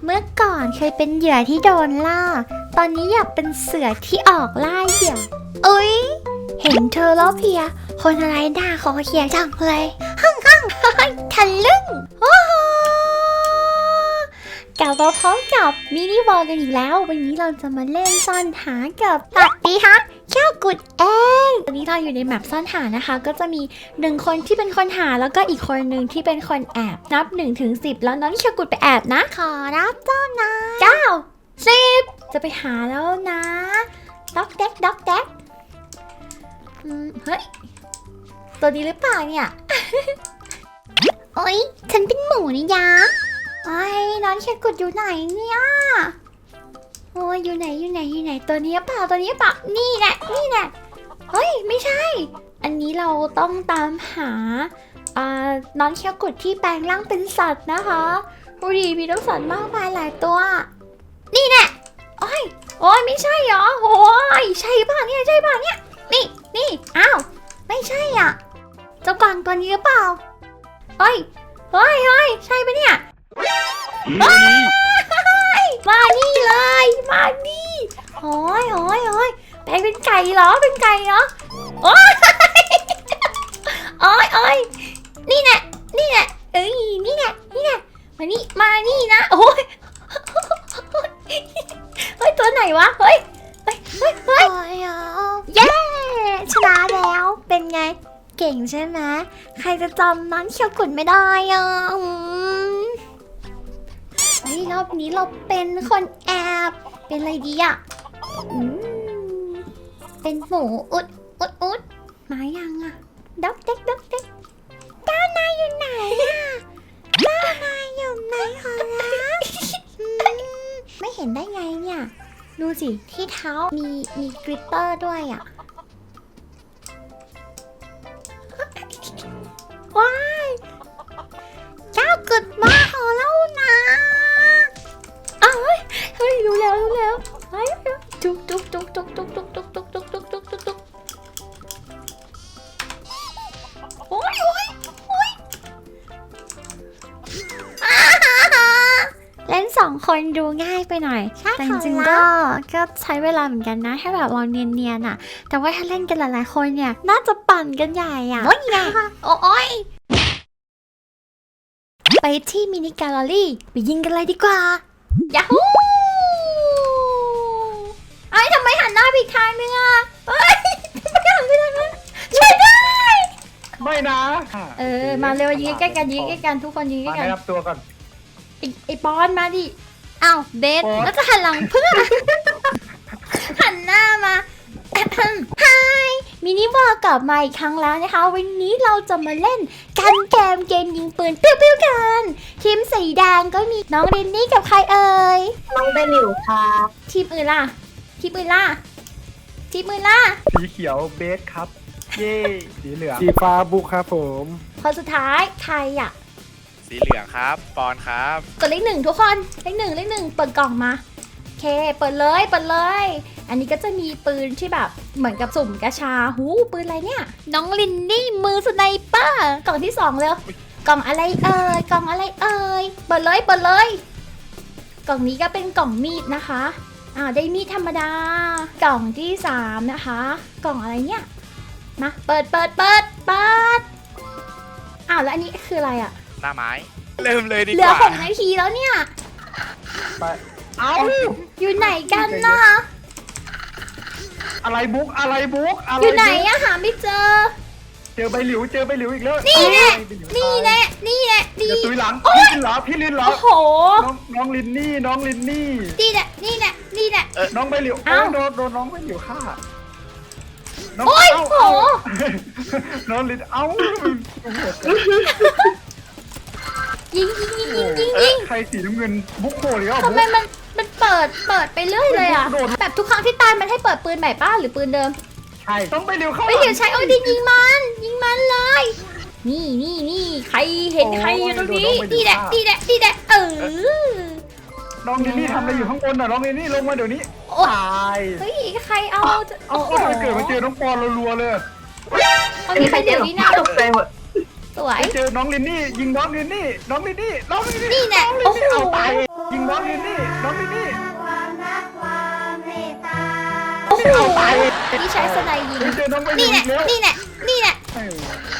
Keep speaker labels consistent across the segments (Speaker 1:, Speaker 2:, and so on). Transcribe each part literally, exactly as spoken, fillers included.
Speaker 1: เมื่อก่อนเคยเป็นเหยื่อที่โดนล่าตอนนี้อยากเป็นเสือที่ออกล่าเหยื่ออุ๊ยเห็นเธอแล้วเพียคนอะไรหน้าคอเขียจังเลยฮั่งฮั่งทะลึ่งโอ้โหกลับมาพร้อมกับมินิวอลกันอีกแล้ววันนี้เราจะมาเล่นซ่อนหากับตัดดีฮะเจ้ากุดเองวันนี้เราอยู่ในแมปซ่อนหานะคะก็จะมีหนึ่งคนที่เป็นคนหาแล้วก็อีกคนหนึ่งที่เป็นคนแอบนับหนึ่งถึงสิบแล้วน้องนิชากุดไปแอบนะขอรับเจ้านายเก้าสิบจะไปหาแล้วนะด็อกแดกด็อกแดกเฮ้ยตัวนี้หรือเปล่าเนี่ย โอ๊ยฉันเป็นหมูนี่ยะไอ้น้องนิชากุดอยู่ไหนเนี่ยโอ้ยอยู่ไหนอยู่ไหนอยู่ไหนตัวนี้เปล่าตัวนี้เปล่านี่แหละนี่แหละเฮ้ยไม่ใช่อันนี้เราต้องตามหาอ่าน้องเชียวกุดที่แปลงร่างเป็นสัตว์นะคะดูดิมีน้องสัตว์มากมายหลายตัวนี่แหละโอ้ยโอ้ยไม่ใช่เหรอโอ้ยใช่ป่ะเนี่ยใช่ป่ะเนี่ยนี่นี่อ้าวไม่ใช่อ่ะเจ้ากวางตัวนี้หรือเปล่าเฮ้ยเฮ้ยเฮ้ยใช่ปะเนี่ยมานี่เลยมานี่โอ้ยโอ้ยโอ้ยแปลงเป็นไก่เหรอเป็นไก่เหรอโอ้ยโอ้ยโอ้ยนี่แหละนี่แหละเอ้ยนี่แหละนี่แหละมานี่มานี่นะโอ้ยเฮ้ยตัวไหนวะเฮ้ยเฮ้ยเฮ้ยเฮ้ยเย้ชนะแล้วเป็นไงเก่งใช่ไหมใครจะจำน้องเชียวกุดไม่ได้อ่ะเฮ้ยรอบนี้เราเป็นคนแอบเป็นอะไรดีอ่ะอืมเป็นหมูอุดอุดอุดมายังอ่ะด็อกเด็กด็อกเด็กเจ้านายอยู่ไหนอ่ะเจ้านายอยู่ไหนขอรับไม่เห็นได้ไงเนี่ยดูสิที่เท้ามีมีกริตเตอร์ด้วยอ่ะว้ายเจ้ากุดมาขอเล่านะอ้าวเฮ้ยรู้แล้วรู้แล้วเฮ้ยจุกจุกจุกจุกจุกจุกจุกจุกจุกจุกจุกจุกจุกโอ้ยโอ้ยโอ้ยเล่นสองคนดูง่ายไปหน่อยแต่จริงๆก็ก็ใช้เวลาเหมือนกันนะให้แบบเราเนียนๆอ่ะแต่ว่าถ้าเล่นกันหลายๆคนเนี่ยน่าจะปั่นกันใหญ่อ่ะโอ้ยไงโอ้ยไปที่มินิแกลเลอรี่ไปยิงกันเลยดีกว่ายาฮูไอ้ทำไมหันหน้าไปอีกทางนึงอ่ะเฮ้ยทำไมหันไปทางนั้นช่วยได้
Speaker 2: ไม่นะ
Speaker 1: เออมาเร็วยิงใกล้กันยิงใกล้กันทุกคนยิงใกล้กัน
Speaker 2: รับตัวก่อน
Speaker 1: ไอ้ไอ้ปอนมาดิอ้าวเบสแล้วจะหันหลังเพื่อหันหน้ามาฮายมินิวอลกลับมาอีกครั้งแล้วนะคะวันนี้เราจะมาเล่นกันเกมเกมยิงปืนปิ้วๆกันทีมสีแดงก็มีน้องเรนนี่กับใครเอ่ย
Speaker 3: น้องเบลิวค่ะ
Speaker 1: ทีมอื่นล่ะทีมอื่นล่ะทีมอื่นล่ะ
Speaker 2: สีเขียวเบสครับเย่สีเหลือง
Speaker 4: สีฟ้าบุกครับผม
Speaker 1: คนสุดท้ายใครอ่ะ
Speaker 5: สีเหลืองครับปอนครับ
Speaker 1: กดเลขหนึ่งทุกคนเลขหนึ่งเลขหนึ่งเปิดกล่องมาโอเคเปิดเลยเปิดเลยอันนี้ก็จะมีปืนที่แบบเหมือนกับสุ่มกระชาหูปืนอะไรเนี่ยน้องลินนี่มือสไนเปอร์กล่องที่สองเร็วกล่องอะไรเอ่ยกล่องอะไรเอ่ยเปิดเลยเปิดเลยกล่องนี้ก็เป็นกล่องมีดนะคะอ่าได้มีดธรรมดากล่องที่สามนะคะกล่องอะไรเนี่ยมาเปิดเปิดเปิดเปิดอ้าวแล้วอันนี้คืออะไรอ่ะ
Speaker 5: หน้าไม้เริ่มเลยดีกว่า
Speaker 1: เหลือหกนาทีแล้วเนี่ย
Speaker 2: ไปเอา
Speaker 1: อยู่ไหนกันนะ
Speaker 2: อะไรบุ๊กอะไรบุ๊ก
Speaker 1: อยู่ไหนอะหาไม่เจอ
Speaker 2: เจอใบหลิวเจอใบหลิวอีกแล้ว
Speaker 1: นี่แน่นี่แน่นี่แน่ดี
Speaker 2: ตุยหลังพี่ลินเหรอพี่ลินเหรอ
Speaker 1: โอ้โห
Speaker 2: น้องลินนี่น้องลินนี่
Speaker 1: นี่แหละนี่แหละนี่แหละ
Speaker 2: น้องใบหลิวโดนโดนน้องใบหลิวฆ่า
Speaker 1: โอ้ยโห
Speaker 2: น้องลินเอ้า
Speaker 1: ยิงยิงยิงยิงยิงยิง
Speaker 2: ใครสีน้ำเงินบุ๊กโผล่เลยอ่ะ
Speaker 1: ทำไมมันมันเปิดเปิดไปเรื่อยเลยอ่ะแบบทุกครั้งที่ตายมันให้เปิดปืนใหม่ป้าหรือปืนเดิม
Speaker 2: ใช่ต้องไปเร็วเข้า
Speaker 1: ไปเดี๋ยวใช้โอ้ดิยิงมันยิงมันเลยนี่นี่นี่ใครเห็นใครอยู่ตรงนี้นี่แหละนี่แหละนี่แหละเออ
Speaker 2: น้องลินนี่ทำอะไรอยู่ข้างบนน่ะน้องลินนี่ลงมาเดี๋ยวนี้ตาย
Speaker 1: เฮ้ยใครเอา
Speaker 2: เอาเอาเกิดมาเจอน้องปอนรัวๆเลย
Speaker 1: เอามีใครเดี๋ยวนี้นะ
Speaker 3: ตกใจหมด
Speaker 1: สวย
Speaker 2: เจอน้องลินนี่ยิงน้องลินนี่น้องลินนี่น้องลินนี่
Speaker 1: นี่แหละโอ้โห
Speaker 2: ยิงน้องลินนี่น้องลินนี่
Speaker 1: โอ้โห
Speaker 2: เอาไป
Speaker 1: นี่ใช้สไนยิง
Speaker 2: เฮ้ยเจอน้องไป
Speaker 1: นี่
Speaker 2: อี
Speaker 1: แหละ
Speaker 2: กแล้ว
Speaker 1: นี่แหละนี่แหละ
Speaker 2: เออ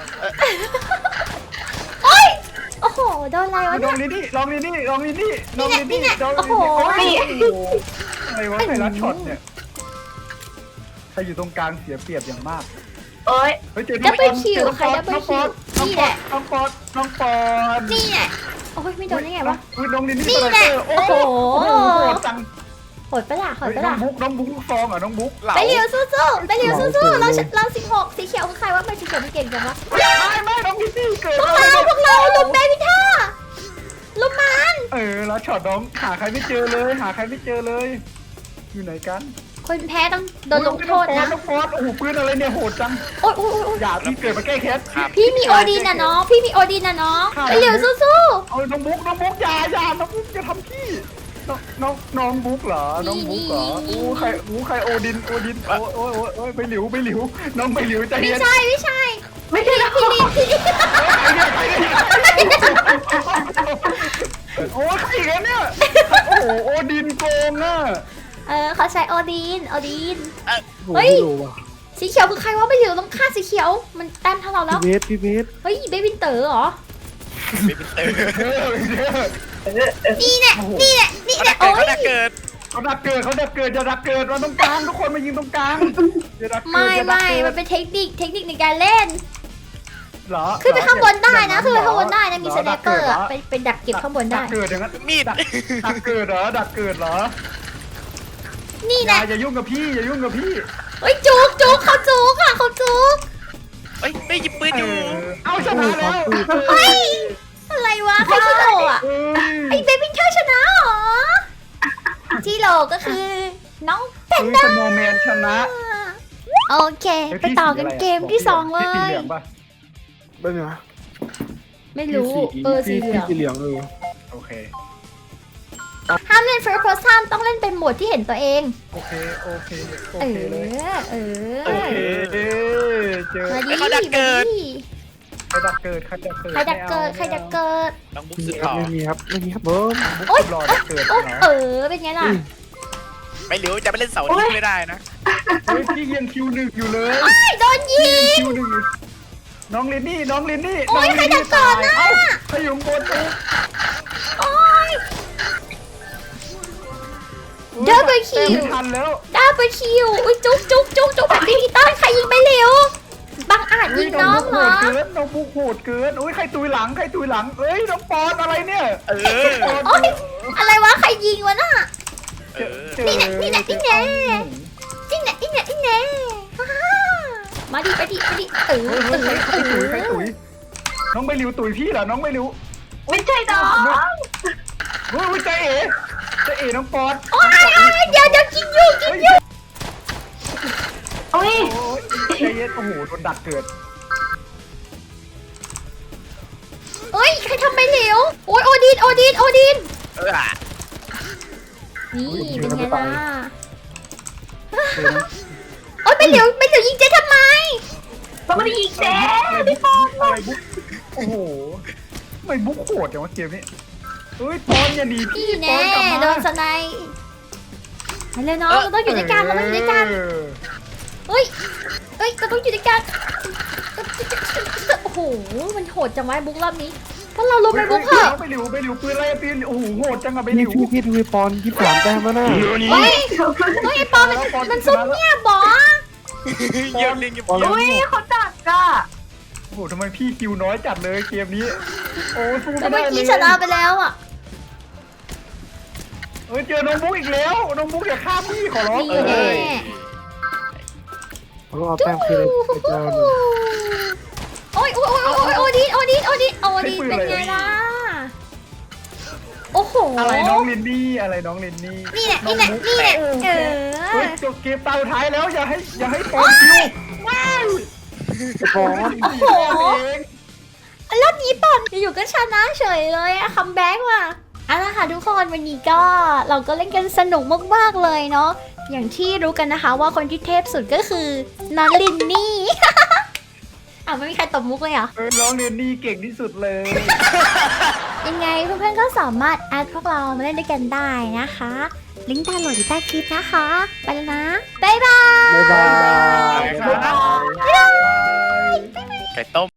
Speaker 1: โอ้ยโอ้โหโดนอะไรวะ
Speaker 2: น้
Speaker 1: เนี่
Speaker 2: อย งลินนี่น้องลินนี่น้องลินนี่น้องลิน
Speaker 1: นี่
Speaker 2: นี่
Speaker 1: แหละ
Speaker 2: น้อง
Speaker 1: โอ้
Speaker 2: ลิน
Speaker 1: โห
Speaker 2: นี่โอ้โหอะไรวะใครรัดช็อตเนี่ยใครอยู่ตรงกลางเสียเปรียบอย่างมาก
Speaker 3: โอ้ย
Speaker 2: เฮ้ยเจอ
Speaker 1: ดับเบิล
Speaker 2: น้อง
Speaker 1: คิว
Speaker 2: เจอน้อง
Speaker 1: ใคร
Speaker 2: ปอ
Speaker 1: ดับเบิล
Speaker 2: น้องป
Speaker 1: คิ
Speaker 2: อ
Speaker 1: ว
Speaker 2: ดน้อง
Speaker 1: นี่
Speaker 2: ป
Speaker 1: แห
Speaker 2: อ
Speaker 1: ละ
Speaker 2: ดน้องปอดน้องปอด
Speaker 1: นี่แหละโอ้ยไม่โดนได้ไงวะ
Speaker 2: อุ้ยน้องลินนี่
Speaker 1: นี่
Speaker 2: สไน
Speaker 1: แหละ
Speaker 2: เปอร์โอ้
Speaker 1: โอ้
Speaker 2: โห
Speaker 1: โห
Speaker 2: โอ้โหโหดจัง
Speaker 1: โหดปะล่ะโหด
Speaker 2: เฮ้ย
Speaker 1: ปะ
Speaker 2: น้อ
Speaker 1: ล่ะ
Speaker 2: งบุ๊กน้องบุ๊กฟองเหรอ่ะน้องบุ๊ก
Speaker 5: เหลา
Speaker 1: ไปเร็วสู้ๆไปเร็วสู้ๆเราเราสิบหกสีเขียวคือใครวะไม่สีเขียวมันเก่งจังวะ
Speaker 2: ไม่ไม่น้องลินนี่เกิด
Speaker 1: พวกเราพวกเราลุมเบบี้ท่าลุมมัน
Speaker 2: เออแล้วช็อตน้องหาใครไม่เจอเลย หาใครไม่เจอเลย อยู่ไหนกัน
Speaker 1: คนแพ้ต้องโดนลงโทษนะ
Speaker 2: น้องฟอสโอ้โหปืนอะไรเนี่ยโหดจัง
Speaker 1: โอ๊ยโอ๊ยโอ๊ยโอ๊ย
Speaker 2: อย่าพี่เกิดมาแก้แค้น
Speaker 5: ครับ
Speaker 1: พี่มีโอดีนนะน้องพี่มีโอดีนนะน้องไปเร็วสู้
Speaker 2: เอาน้องบุ๊กน้องบุ๊กอย่าอย่าน้องบุ๊กจะทำพี่น้องน้องน้องบุ๊กเหรอ น้องบุ๊กเหรออู้ใครอู้ใครโอดินโอดินโอ้โอ้โอ้โอ้ยไปหลิวไปหลิว น้องไปหลิวใจ
Speaker 1: ๆไม่
Speaker 2: เย็น
Speaker 1: ใช่ไม่ใช่ไม่ใช่พี่ลินพี่ลิน
Speaker 2: โอ้ยใครอีกแล้วเนี่ย โอ้โหโอดินโกงอ่ะ
Speaker 1: เออเขาใช้โอดีนโอดีน
Speaker 4: โอ้
Speaker 1: เฮ้
Speaker 4: โห
Speaker 1: ย
Speaker 4: ไม่รู้ว่ะ
Speaker 1: สีเขียวคือใครวะไม่เหลือต้องฆ่าสีเขียวมันแต้มเท่าเราแล้
Speaker 4: พี่
Speaker 1: ว
Speaker 4: เบสพี่เบส
Speaker 1: เฮ้ยเบบินเต๋อเหรอ
Speaker 5: ไม่เป็นเตอร์
Speaker 2: เด้อเด้อ
Speaker 1: นี่แหละนี่แหละนี่
Speaker 5: เขา
Speaker 1: แห
Speaker 5: ดั
Speaker 1: ละ
Speaker 5: กเกิด
Speaker 1: โอ้ย
Speaker 5: เขาดักเกิด
Speaker 2: เขาดักเกิดเขาดักเกิดมาตรงกลางทุกคนมายิงตรงกลางอย่าดักเกิด
Speaker 1: ไม่
Speaker 2: อย่าดัก
Speaker 1: ไม่
Speaker 2: เกิด
Speaker 1: มันเป็นเทคนิคเทคนิคในการเล่น
Speaker 2: เหรอ
Speaker 1: ขึ้นไปข้างบนได้นะ
Speaker 2: อย่
Speaker 1: ขึ้นไป
Speaker 2: เหรอ
Speaker 1: ข้างบนได้นะมี
Speaker 2: ห
Speaker 1: สแนปเปอร์
Speaker 2: ดั
Speaker 1: อะ
Speaker 2: ก
Speaker 1: ไป
Speaker 2: กิด
Speaker 1: ไปดักเก็บข้างบน
Speaker 2: เหรอ
Speaker 1: ได้
Speaker 2: ดักเกิดอย่างนั้น
Speaker 5: มีด
Speaker 2: ดักดักเกิดเหรอดักเกิดเหรอ
Speaker 1: นี่
Speaker 2: อ
Speaker 1: แห
Speaker 2: ย่า
Speaker 1: ละ
Speaker 2: อย่ายุ่งกับพี่อย่ายุ่งกับพี่
Speaker 1: เฮ้ยจุกจุกเขาจุกอ่ะเขาจุก
Speaker 5: เอ้ยไม่หยิบปืน
Speaker 2: เอ
Speaker 5: อยู่
Speaker 2: อเอาชนะแล้ว
Speaker 1: เฮ้ยอะไรวะใครชิโร่อะ
Speaker 2: เอ้
Speaker 1: ไอย เบบินเธอชนะเหรอชิโร่ก็คือน้องแพ
Speaker 2: เฮ้
Speaker 1: น
Speaker 2: ย
Speaker 1: ด้า
Speaker 2: สโนว์แมนชนะ
Speaker 1: โอเค ไปต่อกันเกมที่สองเล
Speaker 2: พี่สี
Speaker 1: ย
Speaker 2: เหลืองปะ
Speaker 4: เป็นไง
Speaker 1: ไม่รู้
Speaker 4: พี่
Speaker 1: เออสี
Speaker 4: พี่
Speaker 1: เหลือง
Speaker 4: พี่สีเหลืองเออ
Speaker 2: โอเค
Speaker 1: ห้ามเล่น first person ต้องเล่นเป็นโหมดที่เห็นตัวเอง
Speaker 2: โอเคโอเคโอ
Speaker 1: เอ
Speaker 2: เคเลย
Speaker 1: อ เออ
Speaker 2: โอเคเจอ
Speaker 1: มาดิ
Speaker 5: เขาดักเกิด
Speaker 1: มาดิ
Speaker 2: ใครดักเกิดใครดักเกิด
Speaker 1: ใครดักเกิดใครดักเกิด
Speaker 5: น้องบุ๊ก
Speaker 4: ไม่
Speaker 5: สุ
Speaker 4: มี
Speaker 5: ด
Speaker 4: ค
Speaker 5: ห
Speaker 4: รับ
Speaker 5: ล่อ
Speaker 4: ไม่มีครับไม่มีครับเบิ้ม
Speaker 1: โอ๊ย
Speaker 2: รอดักเกิด
Speaker 1: โอ๊ย
Speaker 2: เหรอ
Speaker 1: เออ เป็นไงล่ะ
Speaker 5: ไม่เหลียวจะไปเล่นเสาร์นี้ไม่ได้นะ
Speaker 2: เฮ้ยพี่ยังคิวหนึ่งอยู่เลย
Speaker 1: ไอ้ยโดนยิ
Speaker 2: พี่ยัง
Speaker 1: ง
Speaker 2: คิวหนึ่งอยู่น้องลินนี่น้องลินนี่
Speaker 1: โอ๊ย
Speaker 2: น้งลินนี่
Speaker 1: ใครดักเกิดน่ะ
Speaker 2: เอ้าใครอยู่ข้างบนตุ๊ก
Speaker 1: โอ๊ย Double kill
Speaker 2: ไม่ทันแล้ว
Speaker 1: ดับเบิลคิวอุ้ยจุ๊กจุ๊กจุ๊กจุ๊กแบบดิจิตอลใครยิงไปเร็วบังอาจยิงน้องเหรอ
Speaker 2: เกินน้องบุกโหดเกินโอ้ยใครตุยหลังใครตุยหลังเอ้ยน้องปอนอะไรเนี่ย
Speaker 5: เออ
Speaker 2: ปอน
Speaker 1: โอ๊ย อะไรวะ ใครยิงวะน่ะ
Speaker 5: เออ
Speaker 2: เจอ
Speaker 1: นี่แหละนี่แหละนี่แหละ จิ้งเนี่ยจิ้งเนี่ยจิ้งเนี่ยฮ่าฮ่ามาดิไปดิไปดิเออ
Speaker 2: เฮ้ย
Speaker 1: เอ
Speaker 2: เฮ้ย
Speaker 1: อ
Speaker 2: ใคร
Speaker 1: เอ
Speaker 2: ตุยใคร
Speaker 1: อ
Speaker 2: ตุยน้องไม่ริวตุยพี่เหรอน้องไม่ริว
Speaker 3: ไม่ใช่น้อง
Speaker 2: เฮ้ยใจเอ๋ใจเอ๋น้องปอน
Speaker 1: โอ๊ยโอ๊ยเดี๋ยวเดี๋ยวกินอยู่กินอยู่
Speaker 3: โอ้ย
Speaker 2: โอ้ยใจเย็นโอ้โหโดนดักเกิด
Speaker 1: เอ้ยใครทำไปเหลวโอ๊ยโอดินโอดินโอดิน
Speaker 5: เออ
Speaker 1: นี่เป็นไงล่ะโอ๊ยไปเหลวไปเหลวยิงเจ๊ทำไม
Speaker 3: เราไม่ได้ยิงเจ๊
Speaker 2: พี่ปอนอะไรบุ๊กโอ้โหไม่บุ๊กโหดจังวะเกมนี้เฮ้ยปอนอย่าหนีพี่
Speaker 1: พี่
Speaker 2: ปอ
Speaker 1: แน่
Speaker 2: นกลับมา
Speaker 1: โดนสไนป์ไปเลยน้องเราต้องอยู่ด้วยกันเราต้องอยู่ด้วยกัน
Speaker 2: เออ
Speaker 1: เฮ้ยเฮ้ยเราต้องอยู่ด้วยกันโอ้โหมันโหดจังวะบุ๊กรอบนี้พวกเราลงไปบุ๊กเถอะ
Speaker 2: ไปหลิวไปหลิวปืนอะไรปืนโอ้โหโหดจังอะไปห
Speaker 4: พี่
Speaker 2: ลิว
Speaker 4: พี่พี่ดูไอ้ปอนยี่สิบสามแต้มแล้วนะ
Speaker 1: เฮ้ยเฮ้ยไอ้ปอมันมันซุ่มเงียบบอ
Speaker 5: เยี่ยมเล่นเยี่ยม
Speaker 4: ปอน
Speaker 5: เยี่ยม
Speaker 3: อุ้ยเขาดักอะ
Speaker 2: โอ้โหทำไมพี่คิวน้อยจัดเลยเกมนี้โอ้สู้
Speaker 1: แต่
Speaker 2: ไม่
Speaker 1: เมื่
Speaker 2: ได้
Speaker 1: อ
Speaker 2: เล
Speaker 1: กี้
Speaker 2: ย
Speaker 1: ชนะไปแล้วอ่ะ
Speaker 2: เอ้ยเจอน้องบุ๊กอีกแล้วน้องบุ๊กอย่าฆ่าพี่ขอร้อง
Speaker 1: นี่แน่
Speaker 4: เขาเอาแต้มคืนไอ้เจ้าหนึ่ง
Speaker 1: โอ้ยโอ้ยโอ้ยโอ้ยโอดินโอดินโอดินโอดินเป็นไงล่ะโอ้โห
Speaker 2: อะไรน้องลินนี่อะไรน้องลินนี่
Speaker 1: นี่แหละนี่แหละนี่แหละเอ
Speaker 2: เฮ้
Speaker 1: อย
Speaker 2: จบเกมตาสุดท้ายแล้วอย่าให้อย่าให้ปอนคิวว้าว
Speaker 4: ไอ้ปอน
Speaker 1: โอ้โหรอบนี้ปอนอยู่ก็ชนะเฉยเลยอะคัมแบ็กว่ะเอาละค่ะทุกคนวันนี้ก็เราก็เล่นกันสนุกมากๆเลยเนาะอย่างที่รู้กันนะคะว่าคนที่เทพสุดก็คือน้องลินนี่ อ่ะไม่มีใครตบมุกเลยเหรอ
Speaker 2: เออน้องลินนี่เก่งที่สุดเลย
Speaker 1: อยังไงเพื่อนๆก็สามารถแอดพวกเรามาเล่นด้วยกันได้นะคะ ลิงก์ดาวน์โหลดอยู่ใต้คลิปนะคะ ไปแล้วนะ บ๊ายบาย
Speaker 4: บ๊ายบาย
Speaker 2: ครับ
Speaker 5: ไก่ต้ม